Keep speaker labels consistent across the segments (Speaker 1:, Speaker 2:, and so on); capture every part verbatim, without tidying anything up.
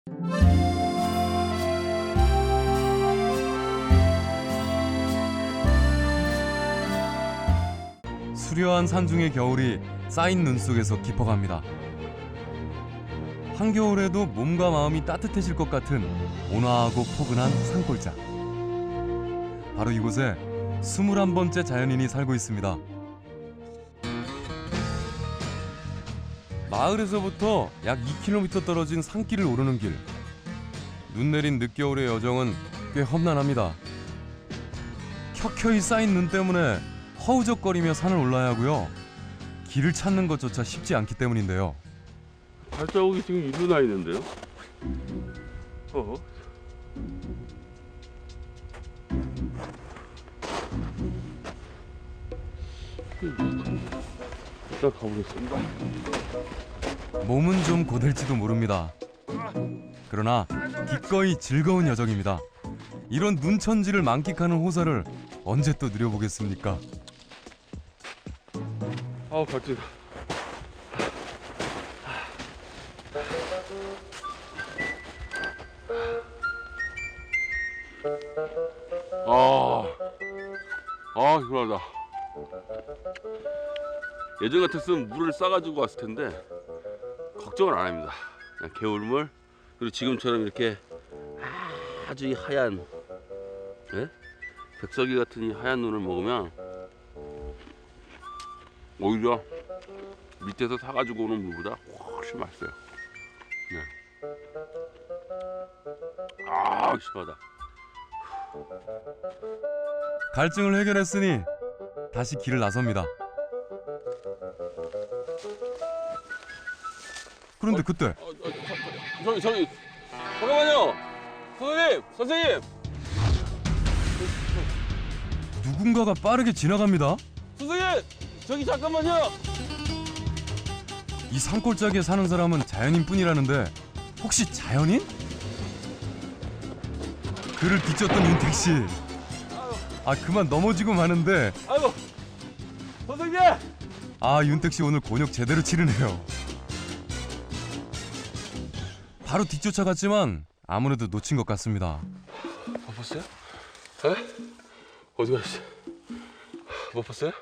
Speaker 1: 수려한 산중의 겨울이 쌓인 눈 속에서 깊어갑니다. 한겨울에도 몸과 마음이 따뜻해질 것 같은 온화하고 포근한 산골짜. 바로 이곳에 스물한 번째 자연인이 살고 있습니다. 마을에서부터 약 이 킬로미터 떨어진 산길을 오르는 길. 눈 내린 늦겨울의 여정은 꽤 험난합니다. 켜켜이 쌓인 눈 때문에 허우적거리며 산을 올라야 하고요. 길을 찾는 것조차 쉽지 않기 때문인데요.
Speaker 2: 발자국이 지금 일로 나 있는데요? 어? 일단 가보겠습니다.
Speaker 1: 몸은 좀 고될지도 모릅니다. 그러나 기꺼이 즐거운 여정입니다. 이런 눈천지를 만끽하는 호사를 언제 또 누려보겠습니까?
Speaker 2: 아우 갑자다. 아, 아 시원하다. 예전 같았으면 물을 싸가지고 왔을 텐데 걱정을 안 합니다. 그냥 개울물, 그리고 지금처럼 이렇게 아주 이 하얀, 예? 백설기 같은 이 하얀 눈을 먹으면 오히려 밑에서 사가지고 오는 물보다 훨씬 맛있어요. 네. 아 시원하다.
Speaker 1: 갈증을 해결했으니 다시 길을 나섭니다. 그런데 그때
Speaker 2: 어, 어, 저, 저기 저기 잠깐만요. 선생님, 선생님,
Speaker 1: 누군가가 빠르게 지나갑니다.
Speaker 2: 선생님, 저기 잠깐만요.
Speaker 1: 이 산골짜기에 사는 사람은 자연인뿐이라는데 혹시 자연인? 그를 비쫓던 윤택 씨. 아 그만 넘어지고 마는데.
Speaker 2: 아이고, 선생님.
Speaker 1: 아 윤택 씨 오늘 곤욕 제대로 치르네요. 바로 뒤쫓아갔지만 아무래도 놓친 것 같습니다.
Speaker 2: 못 봤어요? 에? 어디 가셨어? 못 봤어요?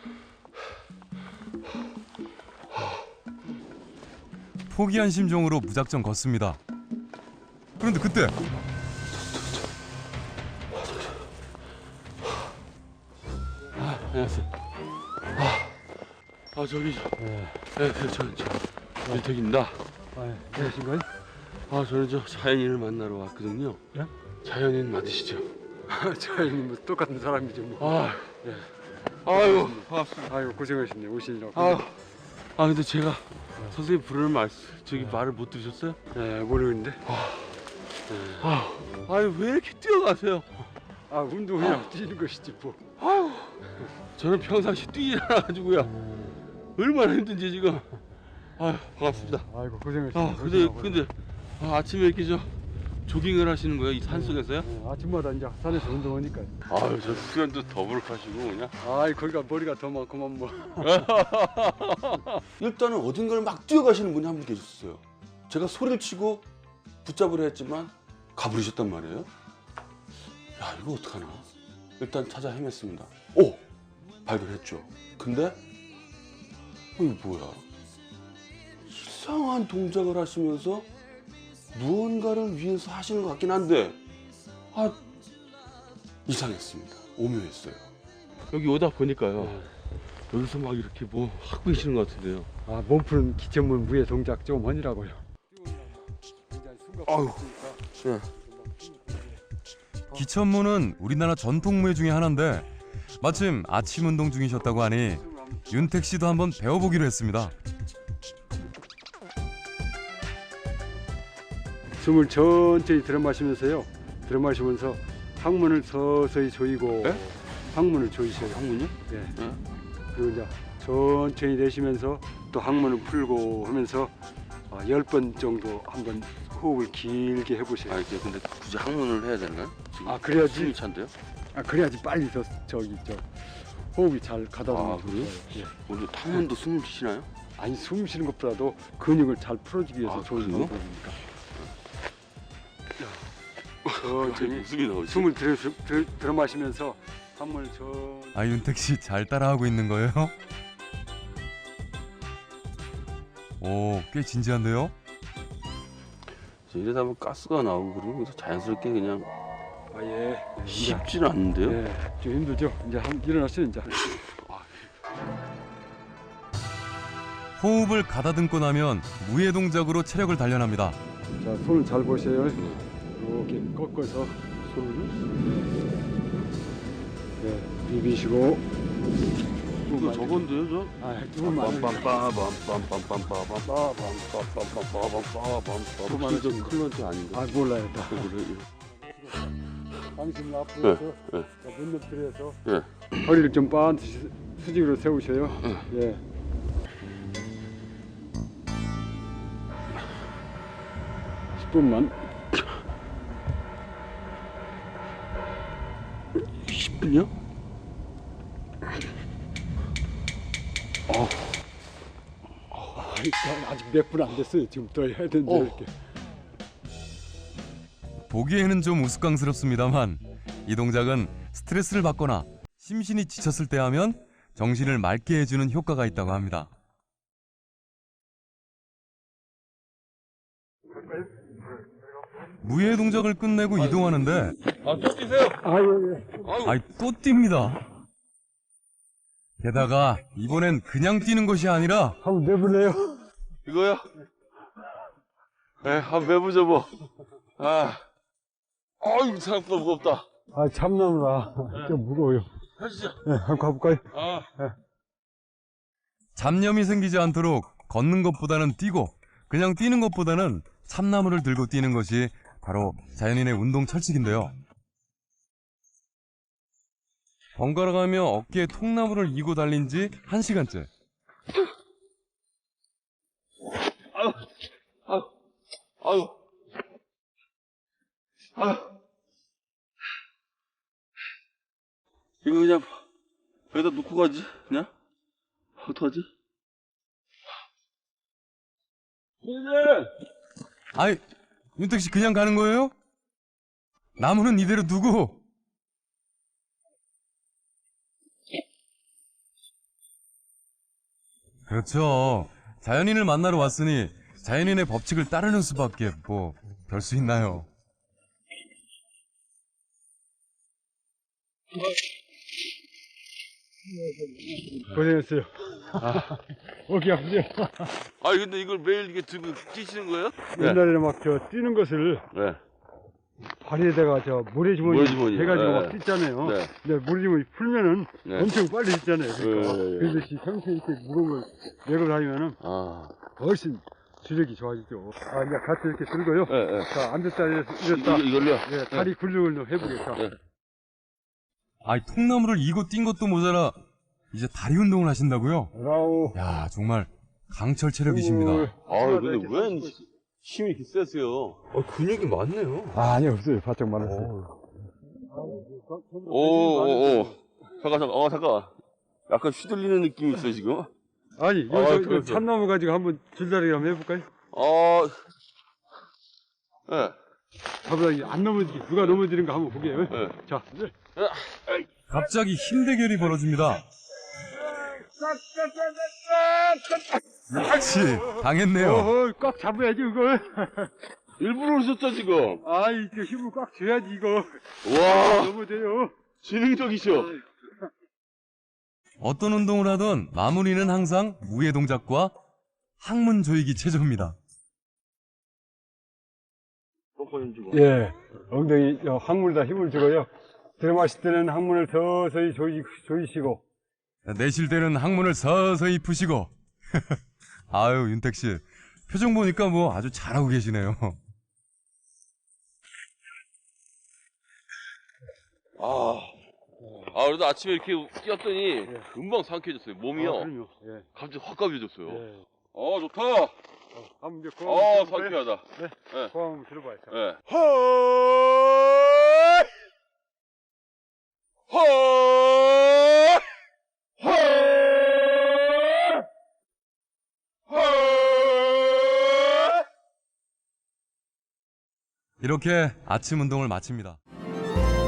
Speaker 1: 포기한 심정으로 무작정 걷습니다. 그런데 그때
Speaker 2: 아, 안녕하세요. 아, 아 저기 저, 네, 네, 저, 저 윤택입니다.
Speaker 3: 아, 안녕하신가요?
Speaker 2: 아, 저는 저 자연인을 만나러 왔거든요.
Speaker 3: 예?
Speaker 2: 자연인 맞으시죠?
Speaker 3: 자연인 뭐 똑같은 사람이죠 뭐.
Speaker 2: 아, 예. 아유, 반갑습니다.
Speaker 3: 아이고 고생하셨네 오시느라고.
Speaker 2: 아, 아 근데 제가 선생님 부르는 말 저기 말을 못 들으셨어요?
Speaker 3: 네 모르는데.
Speaker 2: 아, 아유 왜 이렇게 뛰어가세요?
Speaker 3: 아 운동 그냥 뛰는 것이지 뭐.
Speaker 2: 아유, 저는 평상시 뛰지 않아가지고요. 얼마나 힘든지 지금. 아유 반갑습니다.
Speaker 3: 아이고 고생하셨네.
Speaker 2: 아 근데 근데 아, 아침에 이렇게 저 조깅을 하시는 거예요? 이 산속에서요?
Speaker 3: 네, 아침마다 이제 산에서 운동하니까.
Speaker 2: 아유 저 수련도 더부룩하시고 그냥.
Speaker 3: 아이 거기가 머리가 더 많구만 뭐.
Speaker 4: 일단은 어딘가를 막 뛰어가시는 분이 한 분 계셨어요. 제가 소리를 치고 붙잡으려 했지만 가버리셨단 말이에요. 야 이거 어떡하나. 일단 찾아 헤맸습니다. 오! 발견했죠. 근데 어, 이거 뭐야. 이상한 동작을 하시면서 무언가를 위해서 하시는 것 같긴 한데 아 이상했습니다. 오묘했어요.
Speaker 2: 여기 오다 보니까요. 여기서 막 이렇게 뭐 하고 계시는 것 같은데요.
Speaker 3: 아 몸푸는 기천문 위에 동작 좀 하니라고요.
Speaker 2: 아유. 네.
Speaker 1: 기천무는 우리나라 전통무예 중에 하나인데 마침 아침 운동 중이셨다고 하니 윤택 씨도 한번 배워보기로 했습니다.
Speaker 3: 숨을 천천히 들어 마시면서요. 들어 마시면서 항문을 서서히 조이고.
Speaker 2: 네?
Speaker 3: 항문을 조이셔요.
Speaker 2: 항문이요?
Speaker 3: 네.
Speaker 2: 네.
Speaker 3: 그리고 이제 천천히 내쉬면서 또 항문을 풀고 하면서 열 번 정도 한번 호흡을 길게 해보세요.
Speaker 2: 아 이게 근데 굳이 항문을 해야 되나요? 지금
Speaker 3: 아, 그래야지.
Speaker 2: 숨이 찬데요?
Speaker 3: 아 그래야지 빨리 저 저기 저 호흡이 잘 가다보면
Speaker 2: 아, 그래요?
Speaker 3: 예.
Speaker 2: 오늘 항문도 숨을 쉬시나요?
Speaker 3: 아니 숨 쉬는 것보다도 근육을 잘 풀어주기 위해서
Speaker 2: 아,
Speaker 3: 좋은
Speaker 2: 그래요?
Speaker 3: 방법이니까. 천천히
Speaker 2: 웃음이 나오지.
Speaker 3: 숨을 들여, 들여, 들어 마시면서 항문을 천.
Speaker 1: 아 윤택 씨 잘 따라하고 있는 거예요? 오, 꽤 진지한데요?
Speaker 2: 이러다 보면 가스가 나오고 그러면 그래서 자연스럽게 그냥
Speaker 3: 아 예.
Speaker 2: 쉽지는 않은데요.
Speaker 3: 예, 좀 힘들죠. 이제 한 일어났어요 이제.
Speaker 1: 호흡을 가다듬고 나면 무예 동작으로 체력을 단련합니다.
Speaker 3: 자, 손을 잘 보세요. 이렇게 꺾어서 손을 네, 비비시고.
Speaker 2: 이거 저건데요, 저?
Speaker 3: 아, 조금만.
Speaker 2: 혹시 저 클런치 아닌가?
Speaker 3: 아, 몰라요. 다.
Speaker 2: 그래.
Speaker 3: 당신 앞으로서
Speaker 2: 네,
Speaker 3: 눈을 들여서
Speaker 2: 네.
Speaker 3: 허리를 좀 반드시 수직으로 세우셔요. 예. 십 분만.
Speaker 2: 십 분이요?
Speaker 3: 아, 아직 몇 분 안 됐어요. 지금 더 해야 되는데
Speaker 2: 어.
Speaker 3: 이렇게.
Speaker 1: 보기에는 좀 우스꽝스럽습니다만 이 동작은 스트레스를 받거나 심신이 지쳤을 때 하면 정신을 맑게 해주는 효과가 있다고 합니다. 무예 동작을 끝내고 이동하는데
Speaker 2: 아, 또 뛰세요.
Speaker 3: 아, 예, 예.
Speaker 1: 아이 또 뜁니다. 게다가 이번엔 그냥 뛰는 것이 아니라
Speaker 3: 한번 내보내요.
Speaker 2: 이거요? 네, 한번 매부죠 뭐. 아, 어이 생각보다 무겁다.
Speaker 3: 아, 참나무라. 좀 무거워요.
Speaker 2: 하시죠.
Speaker 3: 네, 한번 가볼까요?
Speaker 2: 아,
Speaker 1: 잡념이 생기지 않도록 걷는 것보다는 뛰고 그냥 뛰는 것보다는 참나무를 들고 뛰는 것이 바로 자연인의 운동 철칙인데요. 번갈아가며 어깨에 통나무를 이고 달린 지 한 시간째.
Speaker 2: 아유, 아유, 아유, 아유. 이거 그냥 여기다 놓고 가지, 그냥? 어떡하지? 선생님!
Speaker 1: 아이, 윤택 씨 그냥 가는 거예요? 나무는 이대로 두고. 그렇죠. 자연인을 만나러 왔으니 자연인의 법칙을 따르는 수밖에 뭐 별 수 있나요?
Speaker 3: 고생했어요. 아, 어깨 아프죠?
Speaker 2: 아니, 근데 이걸 매일 이게 들고 뛰시는 거예요?
Speaker 3: 옛날에는 막 저 뛰는 것을
Speaker 2: 네.
Speaker 3: 발에다가 저 모래주머니
Speaker 2: 모래주머니.
Speaker 3: 해가지고
Speaker 2: 네.
Speaker 3: 막 뛰잖아요.
Speaker 2: 네.
Speaker 3: 근데 모래주머니 풀면은
Speaker 2: 네.
Speaker 3: 엄청 빨리 뛰잖아요. 그러니까.
Speaker 2: 네, 네, 네.
Speaker 3: 그래서 이 평소에 이렇게 무거운 걸 메고 다니면은
Speaker 2: 아.
Speaker 3: 훨씬 주력이 좋아지죠. 아, 이제 같이 이렇게 들고요.
Speaker 2: 네, 네.
Speaker 3: 자, 앉은 자리에서
Speaker 2: 이거,
Speaker 3: 일었다.
Speaker 2: 이걸요?
Speaker 3: 예, 다리 굴리굴리 해보겠다.
Speaker 2: 네.
Speaker 1: 아이, 통나무를 이고 뛴 것도 모자라 이제 다리 운동을 하신다고요?
Speaker 3: 라오.
Speaker 1: 야, 정말 강철 체력이십니다.
Speaker 2: 아, 근데 왜 힘이 이렇게 세세요? 아, 근육이 많네요.
Speaker 3: 아, 아니, 없어요. 바짝 많았어요.
Speaker 2: 오, 오, 오. 잠깐, 잠깐, 어, 잠깐. 약간 휘둘리는 느낌이 있어요, 지금.
Speaker 3: 아니,
Speaker 2: 아,
Speaker 3: 여기서
Speaker 2: 그래서.
Speaker 3: 이거 참나무 가지고 한번 줄다리기 한번 해볼까요?
Speaker 2: 어, 예.
Speaker 3: 잡으다 안 넘어지게, 누가 넘어지는 거 한번 보게요.
Speaker 2: 네.
Speaker 3: 자, 네.
Speaker 1: 갑자기 힘 대결이 벌어집니다. 역시 당했네요.
Speaker 3: 어허, 꽉 잡아야지, 이걸.
Speaker 2: 일부러 오셨죠, 지금?
Speaker 3: 아, 이거 힘을 꽉 줘야지, 이거.
Speaker 2: 와,
Speaker 3: 넘어져요.
Speaker 2: 지능적이셔.
Speaker 1: 어떤 운동을 하든 마무리는 항상 무예 동작과 항문 조이기 체조입니다.
Speaker 3: 예, 엉덩이, 저, 항문에다 힘을 주고요. 들어마실 때는 항문을 서서히 조이, 조이시고.
Speaker 1: 내쉴 때는 항문을 서서히 푸시고. 아유, 윤택 씨. 표정 보니까 뭐 아주 잘하고 계시네요.
Speaker 2: 아, 아, 그래도 아침에 이렇게 뛰었더니 금방 상쾌해졌어요. 몸이요.
Speaker 3: 아, 그럼요. 예.
Speaker 2: 갑자기 확 가벼워졌어요.
Speaker 3: 예.
Speaker 2: 어, 좋다.
Speaker 3: 어, 한번 이제 고함
Speaker 2: 어,
Speaker 3: 한번 들어볼까요?
Speaker 2: 상쾌하다.
Speaker 3: 네.
Speaker 2: 네.
Speaker 3: 고함 한번 들어봐요. 자.
Speaker 2: 예. 헐! 헐! 헐! 헐!
Speaker 1: 이렇게 아침 운동을 마칩니다.